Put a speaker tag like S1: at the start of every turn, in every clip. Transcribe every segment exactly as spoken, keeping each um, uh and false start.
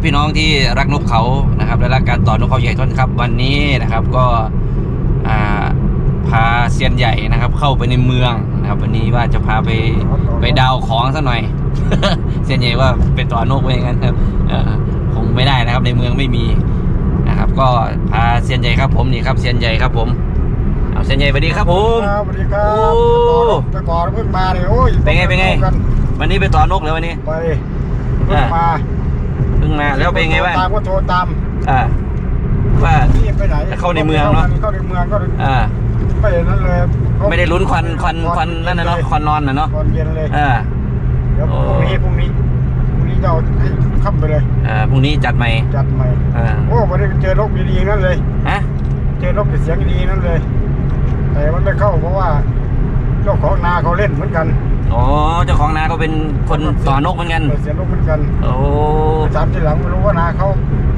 S1: พี่น้องที่รักนกเขานะครับและรักการต่อนกเขาใหญ่ท่อนครับวันนี้นะครับก็พาเซียนใหญ่นะครับเข้าไปในเมืองนะครับวันนี้ว่าจะพาไปไปดาวของซะหน่อย เซียนใหญ่ว่าเป็นต่อนกไปอย่างนั้นครับคงไม่ได้นะครับในเมืองไม่มีนะครับก็พาเซียนใหญ่ครับผมนี่ครับเซียนใหญ่ครับผมเอาเซียนใหญ่สวัสดีครับผม
S2: สวัสดีครับแต่ก่อนเพิ่งมาเลยโอ้ย
S1: เป็นไงเป็นไงวันนี้ไปต่อนกแล้ววันนี้
S2: ไปเพิ่งมา
S1: เพิ่งมาแล้วเป็นไงบ้าง
S2: ตามก็โทรตาม
S1: อ่าว่า
S2: ไปไหน
S1: เข้าในเมืองเนาะ
S2: เข้าในเมืองก็
S1: อ่า
S2: ไม่นั่นเลย
S1: ไม่ได้ลุ้นควันควันควันนั่นนะเนาะควันนอนนะเนาะ
S2: ควันเย็นเลย
S1: อ่า
S2: เดี๋ยวพรุ่งนี้พรุ่งนี้พรุ่งนี้จะเอาให้ค่ำไปเลย
S1: อ่าพรุ่งนี้จัดใหม่
S2: จัดใหม่
S1: อ่า
S2: โอ้วันนี้เจอนกดีๆนั่นเลย
S1: ฮะ
S2: เจอนกเสียงดีนั่นเลยแต่มันไม่เข้าเพราะว่าเจ้าของนาเขาเล่นเหมือนกัน
S1: อ๋อเจ้าของนาเขาเป็นคนต่อนกเหมือนกัน
S2: เสียนกเหมือนกัน
S1: โอ้
S2: ถามทีหลังไม่รู้ว่านาเขา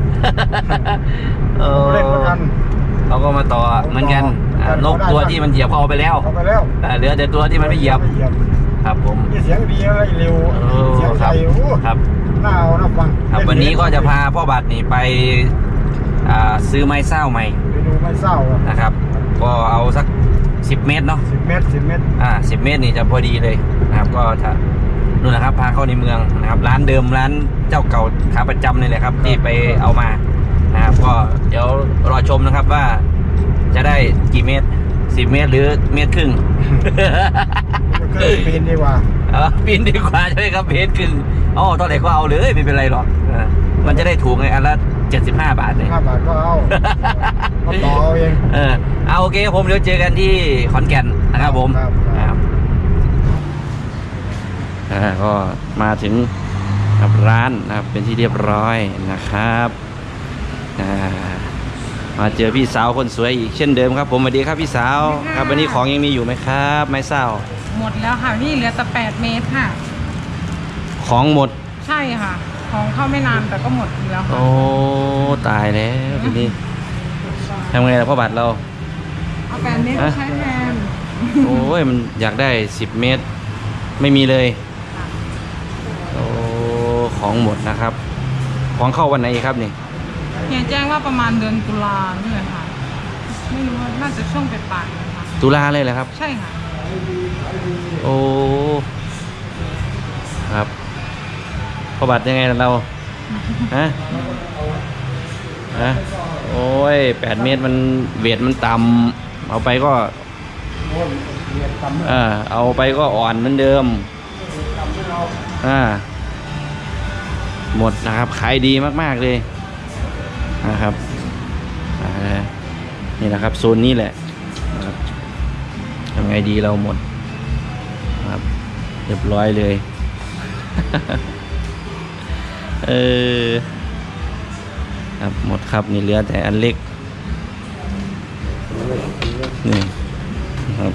S2: เล่นเหมือนกัน
S1: เขาก็มาต่อเหมือนกันนกตัวที่มันเหยียบเขาเอาไปแล้ว
S2: เอาไปแล้ว
S1: เหลือแต่ตัวที่มันไม่เหยียบครับผม
S2: เสียงดีอะไรเร็วเสียงใส
S1: ครับ
S2: น่าเอาน่าฟัง
S1: ครับวันนี้ก็จะพาพ่อบัตรนี่ไปซื้อไม้เศร้าใหม่
S2: ไปดูไม้เศร้า
S1: นะครับก็เอาสักสิบเมตรเนาะ
S2: สิบเมตรสิบเมตร
S1: อ่าสิบเมตรนี่จะพอดีเลยนะครับก็ถ้านู่นนะครับพาเข้าในเมืองนะครับร้านเดิมร้านเจ้าเก่าขาประจำนี่แหละครับที่ไปเอามานะครับก็เดี๋ยวรอชมนะครับว่าจะได้กี่เมตรสิบเมตรหรือเมตรครึ่ง
S2: ปีนดีกว่า
S1: เออปีนดีกว่าใช่ไหมครับเมตรครึ่งอ๋อตอนไหนก็เอาเลยไม่เป็นไรหรอกมันจะได้ถูกไงอันละเจ็ดสิบห้าบาทเลย
S2: ห้าบาทก็เอาเอาต่อเอาเอง
S1: เออเอาโอเคผมเดี๋ยวเจอกันที่ขอนแก่นนะครับผมครับอ่าก็มาถึงร้านนะครับเป็นที่เรียบร้อยนะครับอ่ามาเจอพี่สาวคนสวยอีกเช่นเดิมครับผมสวัสดีครับพี่สาวครับวันนี้ของยังมีอยู่ไหมครับไม้เศร้า
S3: หมดแล้วค่ะนี่เหลือแต่แปดเมตรค่ะ
S1: ของหมด
S3: ใช่ค่ะของเข้าไม่นานแต่ก็หมดแล้ว
S1: โอ้ตายแล้วทีนี้ทำไงล่ะพ่อบัตรเรา
S3: เอาแปดเมตรใช้แทน
S1: โอ้ยมันอยากได้สิบเมตรไม่มีเลยโอ้ของหมดนะครับของเข้าวันไหนครับนี่
S3: เฮียแจ้งว่าประมาณเดือนตุลานี่เลยค่ะไม่รู้ว่าน่าจะช่วงปลายๆนะคะ
S1: ตุลาเลยเหรอครับ
S3: ใช่ค่ะ
S1: โอ้ครับพ่อบัตรยังไงเราฮะฮะโอ้ยแปดเมตรมันเวทมันต่ำเอาไปก็เออเอาไปก็อ่อนเหมือนเดิมอ่าหมดนะครับขายดีมากๆเลยนะครับนี่นะครับโซนนี้แหละทำไงดีเราหมดครับเรียบร้อยเลยเออครับหมดครับนี่เหลือแต่อันเล็กนี่ครับ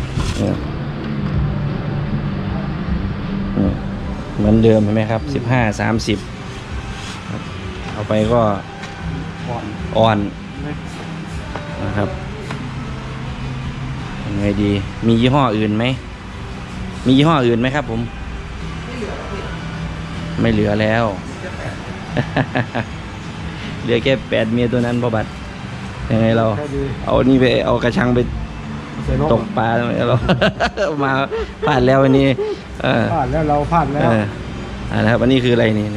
S1: เหมือนเดิมใช่ไหมครับสิบห้าสามสิบเอาไปก็อ่อนนะครับยังไงดีมียี่ห้ออื่นไหมมียี่ห้ออื่นไหมครับผมไม่เหลือแล้วเหลือแค่แปดเมียตัวนั้นพ่อบัตรยังไงเราเอานี่ไปเอากระชังไปตกปลาเรามาพลาดแล้ววันนี้
S2: พลาดแล้วเราพลาดแล้ว
S1: อ่านะครับวันนี้คืออะไรนี่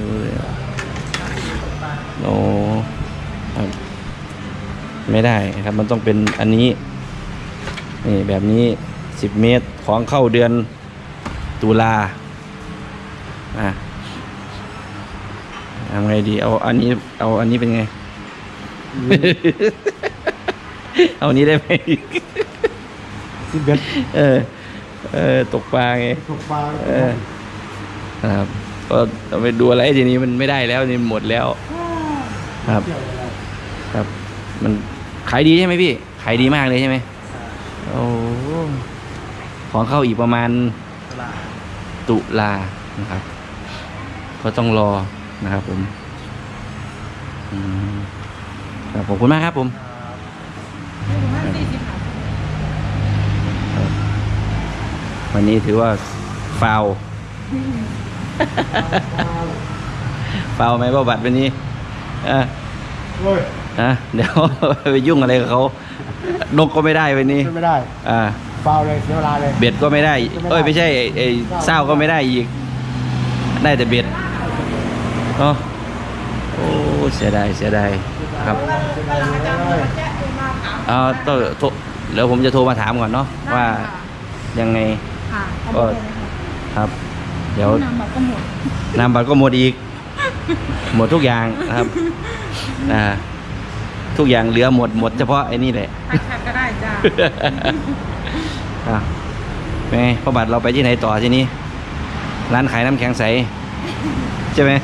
S1: โอ้ไม่ได้ครับมันต้องเป็นอันนี้นี่แบบนี้สิบเมตรของเข้าเดือนตุลาอ่ะทำไงดีเอาอันนี้เอาอันนี้เป็นไง เอาอันนี้ได้ไหม
S2: สิบเอ็ด
S1: เออเออตกปลาไง
S2: ตกปลา
S1: เออครับก็ต้องไปดูอะไรทีนี้มันไม่ได้แล้วนี่หมดแล้วครับครับมันขายดีใช่ไหมพี่ขายดีมากเลยใช่ไหมโอ้ของเข้าอีกประมาณตุลานะครับก็ต้องรอนะครับผมขอบคุณมากครับผมวันนี้ถือว่าฟาวฟาวไหมพ่อบัตรวันนี้อ่ะ
S2: เว้ย
S1: นะเดี๋ยว ไปยุ่งอะไรกับเขานกก็ไม่ได้วันนี้
S2: ไม่ได้
S1: อ่า
S2: ฟาวเลยเสียเวลาเลย
S1: เบ็ดก็ไม่ได้ เอ้ยไม่ใช่ไอ้ไอ้เศร้าก็ไม่ได้อีก ได้แต่เบ็ดเนาะโอ้เสียดายเสียดายครับเอาต้องโทรเดี๋ยวผมจะโทรมาถามก่อนเนาะว่ายังไง
S3: ค่ะ
S1: ก็ครับ เดี๋ยว
S3: น้ำบัตรก็หมด
S1: นามบัตรก็หมดอีก หมดทุกอย่างนะครับอ่าทุกอย่างเหลือหมดหมดเฉพาะไอ้นี่แหละ
S3: ใครแคปก็ได้จ้า
S1: อ่ะเป็นไงพ่อบัตรเราไปที่ไหนต่อทีนี้ ร้านขายน้ำแข็งใสใช่ไหม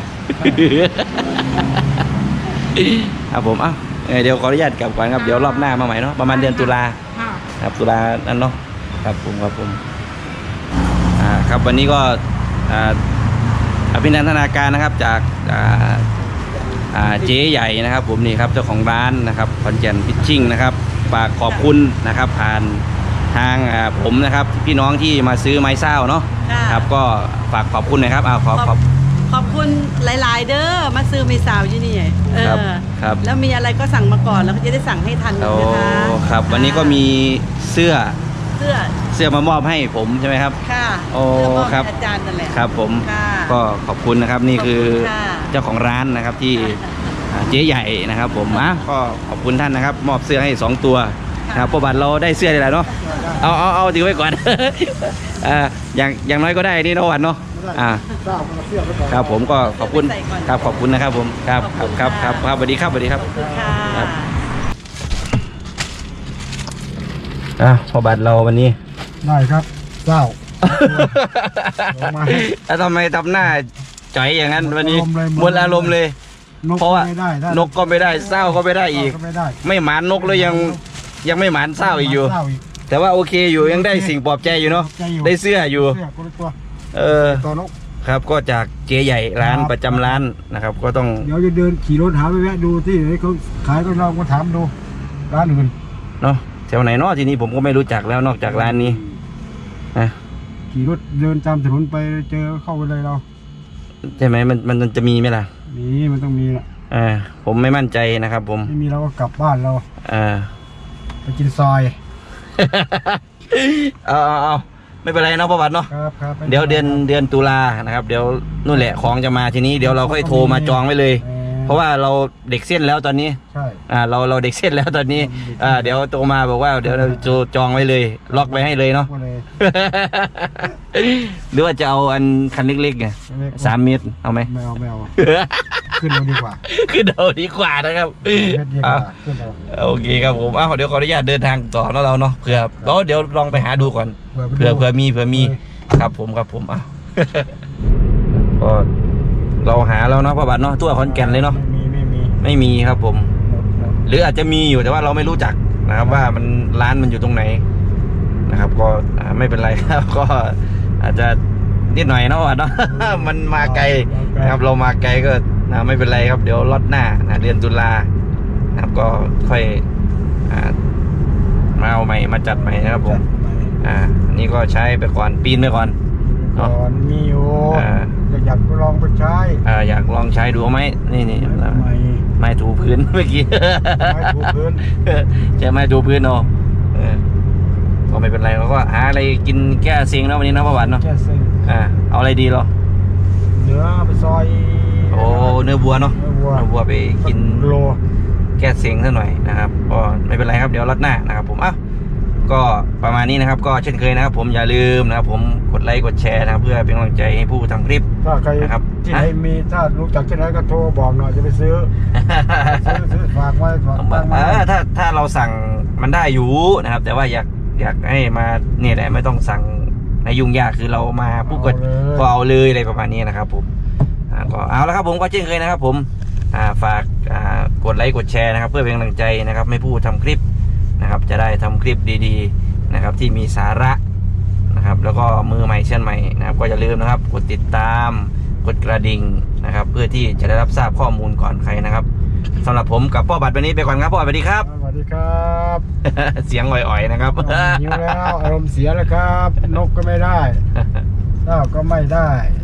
S1: ครับผมเอ้าเอ้ยเดี๋ยวขออนุญาตกลับก่อนครับเดี๋ยวรอบหน้ามาใหม่เนาะประมาณเดือนตุลา
S3: ค่ะ
S1: ครับตุลานั่นเนาะครับผมครับผมอ่าครับวันนี้ก็อ่าอภินันทนาการนะครับจากอ่าอ่าเจ๊ใหญ่นะครับ ผมนี่ครับเจ้าของร้านนะครับคอนแก่นฟิชชิ่งนะครับฝากขอบคุณนะครับ ผ่านทางอ่าผมนะครับพี่น้องที่มาซื้อไม้เศร้าเนาะ
S4: ค่ะ
S1: ครับก็ฝากขอบคุณหนะครับเอาขอขอบ
S4: ขอบคุณหลาย ๆ เด้อมาซื้อมีสาวอยู่นี่เอ
S1: ครับ
S4: อ
S1: ครับ
S4: แล้วมีอะไรก็สั่งมาก่อนแล้วก็จะได้สั่งให้ทัน
S1: โอ้
S4: นะคะ
S1: ครับ วันนี้ก็มีเสื้อ
S4: เสื้อ
S1: เสื้อมามอบให้ผมใช่ไหมครับ
S4: ค่ะ
S1: โอ้
S4: เสื้มอบ
S1: ครับ
S4: ให้อาจารย์นั่นแหละ
S1: ครับผม
S4: ค่ะ
S1: ก็ขอบคุณนะครับนี่คือ
S4: ขอบคุณค่ะ
S1: เจ้าของร้านนะครับที่อ่าเจ๊ใหญ่นะครับ ผมอ่ะก็ขอบคุณท่านนะครับ มอบเสื้อให้สองตัวนะครับประบัติเราได้เสื้อได้แล้วเนาะเอาเอาเอาถือไว้ก่อน อ่าอย่างอย่างน้อยก็ได้นี่เนาะวันเนาะอ่า
S2: เจ้ามันเสียไปก่อน
S1: ครับผมก็ขอบคุณครับขอบคุณนะครับผมครับครับครับครับครับสวัสดีครับสวัสดีครับ
S4: ค่ะ
S1: ครับ อ่ะพอบัตรเราวันนี้
S2: ได้ครับเจ้า ลงมา
S1: แล้วทำไมทำหน้าจ่อยอย่างนั้นวันนี้
S2: อารมณ์เลย
S1: หมดอารมณ์เลย
S2: นก
S1: เพราะว่า
S2: ไม่ได้ถ้าน
S1: กก็ไม่ได้เศร้าก็ไม่ได้อีก
S2: ก็ไม่ได้
S1: ไม่หมานนกแล้วยังยังไม่หมานเศร้าอีกอยู่
S2: เศร้าอีก
S1: แต่ว่าโอเคอยู่ยังได้สิ่งปลอบใจอยู่เนาะ
S2: ใจอยู่
S1: ได้เสื้ออยู่
S2: เสื้อคนละตัว
S1: เออ
S2: ตัวนก
S1: ครับก็จากเจ๊ใหญ่ร้าน
S2: ครับ
S1: ประจำร้านนะครับ ก็ต้อง
S2: เดี๋ยวจะเดินขี่รถหาไปแวะดูที่ไหนเขาขายก็ลองมาถามดูร้านอื่น
S1: เนาะแถวไหนเนาะทีนี้ผมก็ไม่รู้จักแล้วนอกจากร้านนี้นะ
S2: ขี่รถเดินตามถนนไปเจอเข้าไปเลยเรา
S1: ใช่ไหมมันมันจะมีไหมล่ะ
S2: นี่มันต้องมีแหละ
S1: อ่าผมไม่มั่นใจนะครับ ผม
S2: ไม่มีเราก็กลับบ้านเรา
S1: อ่า
S2: ไปกินซอย
S1: เอาเอาเอาไม่เป็นไรเนาะประวัติเนาะ
S2: ครับครับไป
S1: เดี๋ยวเดือนเดือนตุลานะครับ เดี๋ยวนู่นแหละของจะมาทีนี้เดี๋ยวเราค่อยโทรมาจองไว้เลย
S2: ออ
S1: เพราะว่าเราเด็กเส้นแล้วตอนนี้
S2: ใช่
S1: อ่าเราเราเด็กเส้นแล้วตอนนี้อ่าเดี๋ยวโทรมาบอกว่าเดี๋ยวเราจะจองไว้เลย ล็อกไว้ให้เลยเนาะ
S2: ก็เลย
S1: หรือว่าจะเอาอันคันเล็กๆไง
S2: เล็กๆ
S1: สามเมตรเอาไหม
S2: ไม่เอาไม่เอาขึ้นเราดีกว่า
S1: ขึ้นเอาดีกว่านะครับ
S2: เม็ดดีก
S1: อ่ะ
S2: ว่าขึ้นเรา
S1: โอเคครับผมอ้าวเดี๋ยวขออนุญาตเดินทางต่อเนาะเราเนาะเผื่อแล้วเดี๋ยวลองไปหาดูก่อน เผื่อเผื่อมีเผื่อมีครับผมครับผมอ่ะ ก็เราหาแล้วเนาะพ่อบัตรเนาะทั่วขอนแก่นเลยเนาะ
S2: ไม่มีไม่มี
S1: ไม่มีครับผม
S2: หมดหมด
S1: หรืออาจจะมีอยู่แต่ว่าเราไม่รู้จักนะครับ ว่ามันร้านมันอยู่ตรงไหนนะครับ ก็อ่าไม่เป็นไรครับ ก็อาจจะนิดหน่อยเนาะว่าเนาะ มันมาไกลนะครับ เรามาไกลก็นะไม่เป็นไรครับ เดี๋ยวล็อตหน้านะเดือนตุลานะครับ ก็ค่อยอ่ามาเอาใหม่มาจัดใหม่นะครับผม
S2: ไป
S1: อ่าอันนี้ก็ใช้ไปก่อนปีนไปก่อน
S2: ก่อนมีอยู่
S1: อ่า
S2: อยากไปลองไปใช้
S1: อ่าอยากลองใช้ดูเอาไหมนี่นี่
S2: ไม่ไม่
S1: ไม้ถูพื้น เมื่อกี้
S2: ไม่ถูพื้น
S1: ใช่ไม้ถูพื้นเนาะเออก็ไม่เป็นไรเราก็หาอะไรกินแก้เซ็งเนาะวันนี้เนาะพ่อหวานเนาะ
S2: แค่ซึ่ง
S1: อ่าเอาอะไรดีเหรอ
S2: เนื้อไปซอย
S1: โอ้เนื้อวัวเนาะ
S2: เนื้อวัว
S1: เนื้อวัวไปกิน
S2: โล
S1: แก้เซ็งซะหน่อยนะครับก็ไม่เป็นไรครับเดี๋ยวรัดหน้านะครับ ผมอ่ะก็ประมาณนี้นะครับ ก็เช่นเคยนะครับ ผมอย่าลืมนะครับ ผมกดไลค์กดแชร์นะครับ เพื่อเป็นกำลังใจให้ผู้ทำคลิป
S2: ถ้าใคร
S1: นะครับ
S2: ที่ไหนมีถ้ารู้จักที่ไหนก็โทรบอกหน่อยจะไปซื้อ ซื้อซื้อฝากไว้ฝากตั้ง
S1: เอ
S2: ไว้
S1: อถ้าถ้าเราสั่งมันได้อยู่นะครับ แต่ว่าอยากอยากให้มาเนี่ยแหละไม่ต้องสั่งในยุ่งยากคือเรามาปุ๊บก็ก็เอาเลยอะไรประมาณนี้นะครับ ผมอ่าก็เอาแล้วครับผมก็เช่นเคยนะครับ ผมอ่าฝากอ่ากดไลค์กดแชร์นะครับ เพื่อเป็นกำลังใจนะครับไม่ผู้ทำคลิปนะครับ จะได้ทำคลิปดีๆนะครับ ที่มีสาระนะครับ แล้วก็มือใหม่เช่นใหม่นะครับ ก็อย่าลืมนะครับ กดติดตามกดกระดิ่งนะครับ เพื่อที่จะได้รับทราบข้อมูลก่อนใครนะครับสำหรับผมกับพ่อบัตรวันนี้ไปก่อนครับพ่อบัตรสวัสดีครับ
S2: สวัสดีครับ
S1: เสียงอ่อยๆนะครับ
S2: หิวแล้วอารมณ์เสียแล้วครับ นกก็ไม่ได้เจ้าก็ไม่ได้